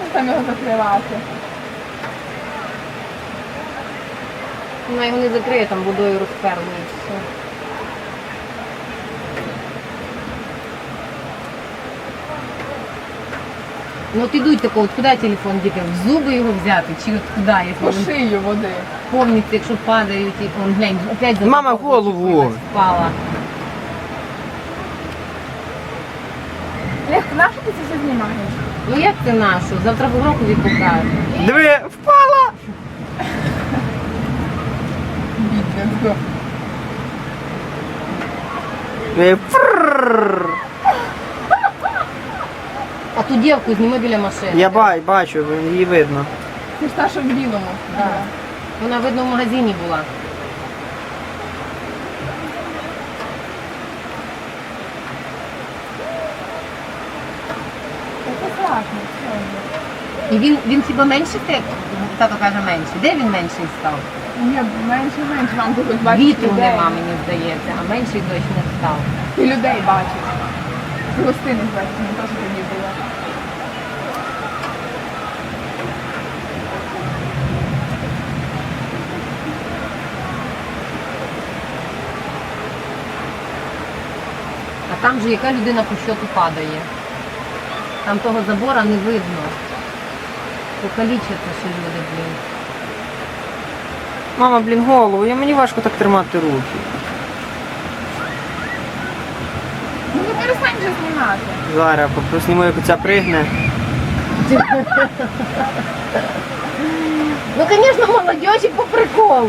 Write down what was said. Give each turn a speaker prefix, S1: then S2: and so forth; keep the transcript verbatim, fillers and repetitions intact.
S1: там його закривати?
S2: Вона його не закриє, там водою розперли і все. Ну от ідуть тако, от куди телефон діти? В зуби його взяти? Чи от куди?
S1: По
S2: Якщо він
S1: шию води.
S2: повністю, якщо падають, і он, глянь, опять за
S3: Мама,
S2: забор
S3: голову.
S2: зачепилась, впала.
S1: Лех, нащо ти це все знімаєш?
S2: Ну як це нашу? Завтра в урокові покажу.
S3: Диви, впала!
S1: Бідненько.
S3: Е, фрррр.
S2: А ту дівку зніми біля машини.
S3: Я бай, бачу, її видно.
S1: Ти ж та, що в білому.
S2: Да. Вона, видно, в магазині була.
S1: Це страшно.
S2: І він, він хіба менший ти? Тато каже менший. Де він менший став?
S1: Ні, менше, менше. Вам тут хоч бачиш
S2: Вітру
S1: людей.
S2: нема, мені здається, а менший точно став.
S1: Ти людей бачиш. Ти гостини бачиш, не то, що тоді було.
S2: А там же яка людина по щоту падає. Там того забора не видно. Покалічаться ще люди, блін.
S3: Мама, блін, голову, я мені важко так тримати руки.
S1: Ну не перестань вже знімати.
S3: Зараз посніму, як оця пригне.
S2: Ну, звісно, молодежі по приколу.